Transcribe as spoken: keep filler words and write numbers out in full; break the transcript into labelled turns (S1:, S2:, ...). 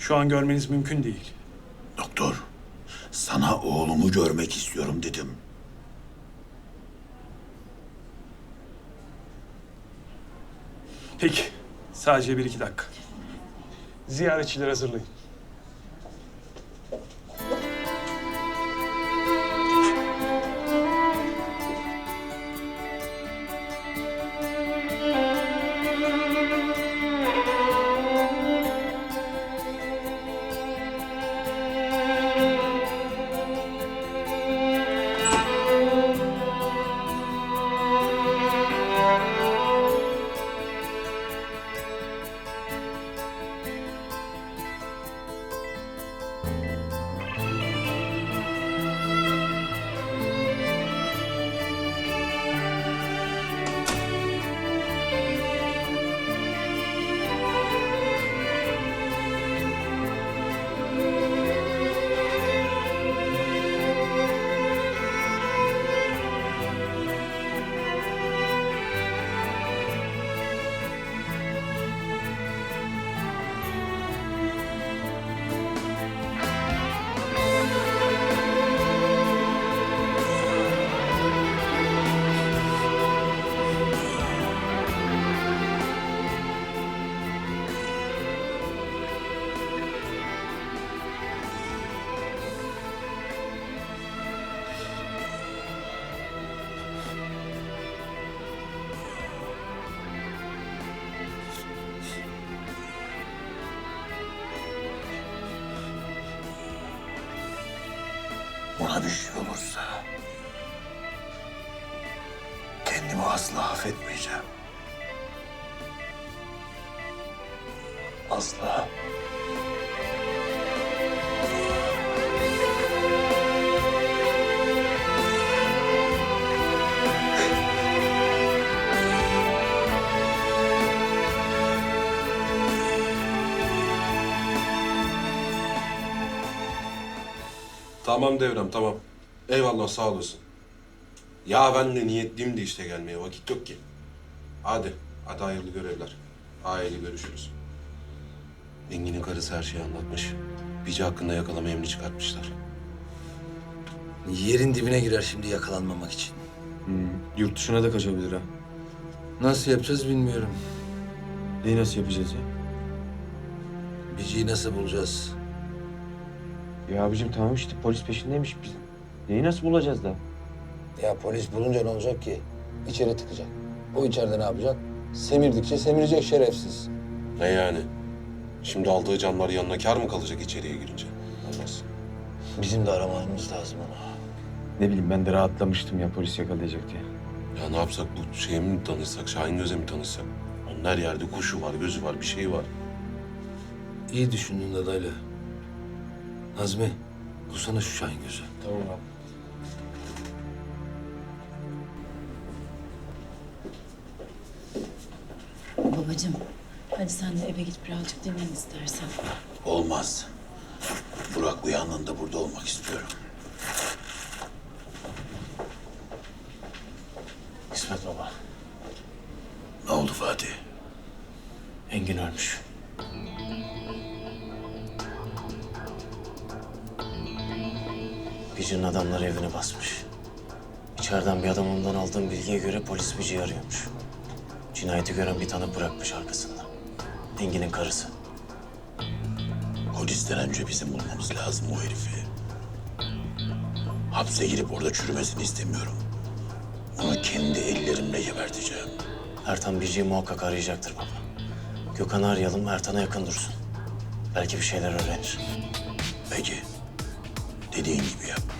S1: Şu an görmeniz mümkün değil.
S2: Doktor, sana oğlumu görmek istiyorum dedim.
S1: Peki, sadece bir iki dakika. Ziyaretçileri hazırlayın.
S2: Ona bir şey olursa kendimi asla affetmeyeceğim. Asla.
S3: Tamam Devrem, tamam. Eyvallah, sağ olasın. Ya ben de niyetliyim de işte gelmeye, vakit yok ki. Hadi, hadi hayırlı görevler. Aile görüşürüz. Engin'in karısı her şeyi anlatmış. Bici hakkında yakalama emri çıkartmışlar.
S4: Yerin dibine girer şimdi yakalanmamak için.
S5: Yurt dışına da kaçabilir ha.
S4: Nasıl yapacağız bilmiyorum.
S5: Neyi nasıl yapacağız ya?
S4: Bici'yi nasıl bulacağız?
S5: Ya abicim tamam işte polis peşindeymiş biz. Neyi nasıl bulacağız da?
S4: Ya polis bulunca ne olacak ki? İçeri tıkacak. O içeride ne yapacak? Semirdikçe semirecek şerefsiz.
S3: Ne yani? Şimdi aldığı canlar yanına kâr mı kalacak içeriye girince? Olmaz.
S4: Bizim de aramamız lazım onu.
S5: Ne bileyim ben de rahatlamıştım ya polis yakalayacak diye.
S3: Ya ne yapsak, bu şeye mi tanışsak, Şahin Göz'e mi tanışsak? Onun her yerde kuşu var, gözü var, bir şey var.
S4: İyi düşündün dadaylı. Nazmi, bulsana şu Şahin Gözü.
S5: Tamam abi.
S6: Babacığım, hadi sen de eve git birazcık dinlen istersen.
S2: Olmaz. Burak uyandığında burada olmak istiyorum.
S7: İsmet baba,
S2: Ne oldu Fatih?
S7: Engin ölmüş. Bici'nin adamları evini basmış. İçeriden bir adam ondan aldığım bilgiye göre polis Bici'yi arıyormuş. Cinayeti gören bir tanık bırakmış arkasında. Engin'in karısı.
S2: Polisten önce bizim bulmamız lazım o herifi. Hapse girip orada çürümesini istemiyorum. Onu kendi ellerimle geberteceğim.
S7: Ertan Bici'yi muhakkak arayacaktır baba. Gökhan'ı arayalım, Ertan'a yakın dursun. Belki bir şeyler öğrenir.
S2: Peki. Dediğin gibi yap.